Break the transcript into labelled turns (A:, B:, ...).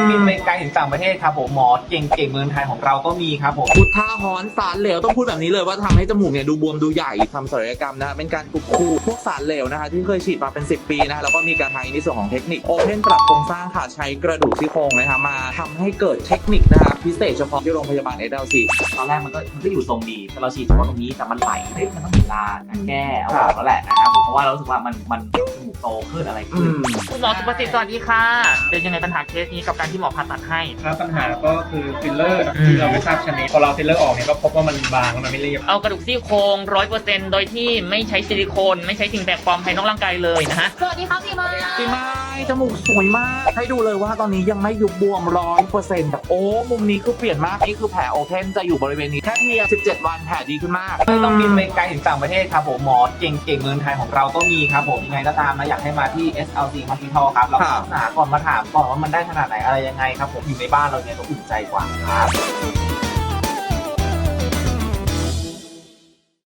A: ต้องบินไปไกลถึงต่างประเทศครับผมหมอเก่งเมืองไทยของเราก็มีครับผม
B: พุทธาฮอนสารเหลวต้องพูดแบบนี้เลยว่าทำให้จมูกเนี่ยดูบวมดูใหญ่ทำศัลยกรรมนะเป็นการขูดพวกสารเหลวนะคะที่เคยฉีดมาเป็น10 ปีนะแล้วก็มีการใช้ในส่วนของเทคนิคโอเพนปรับโครงสร้างค่ะใช้กระดูกซี่โครงนะคะมาทำให้เกิดเทคนิคนะคะพิเศษเฉพาะที่โรงพยาบาล SLC
C: ตอนแรกมันก็อยู่ทรงดีแต่เราฉีดเฉพาะตรงนี้แต่มันไหลมันต้องมีเวลาการแก้เอาออกแล้วแหละนะครับผมเพราะว่าเรารู้สึกว่ามันจมูกโตขึ้นอะไรขึ้น
D: คุณหมอสุประสิทธิ์สวัสดีค่ะ เป็นยังไงปัญหาเคสนี้กับการที่หมอผ่าตัดให้
E: ครับปัญหาก็คือฟิลเลอร์ที่เราไม่ทราบชนิดพอเราฟิลเลอร์ออกเนี่ยก็พบว่ามันบางแล้วมันไม่เรียบ
D: เอากระดูกซี่โครง 100%โดยที่ไม่ใช้ซิลิโคน ไม่ใช้สิ่งแปลกปลอมภายนอกร่างกายเลยนะฮะ
F: สวัสดีครับพี่มา
B: ปีไม้จมูกสวยมากให้ดูเลยว่าตอนนี้ยังไม่ยุบบวม 100%แต่โอ้มุมนี้คือเปลี่ยนมากนี่คือแผลโอเพนจะอยู่บริเวณนี้แค่เพียง17 วันแผลดีขึ้นมาก
A: ไม่ต้องบินไปไกลถึงต่างประเทศครับผมหมอเก่งเมืองไทยของเราก็มีครับผมยังไงก็ตามนะอยากให้มาที่ SLC Hospital ครับเราศึกษาก่อนมาถามก่อนว่ามันได้ขนาดไหนอะไรยังไงครับผมอยู่ในบ้านเราเนี่ยก็อุ่นใจกว่าครับ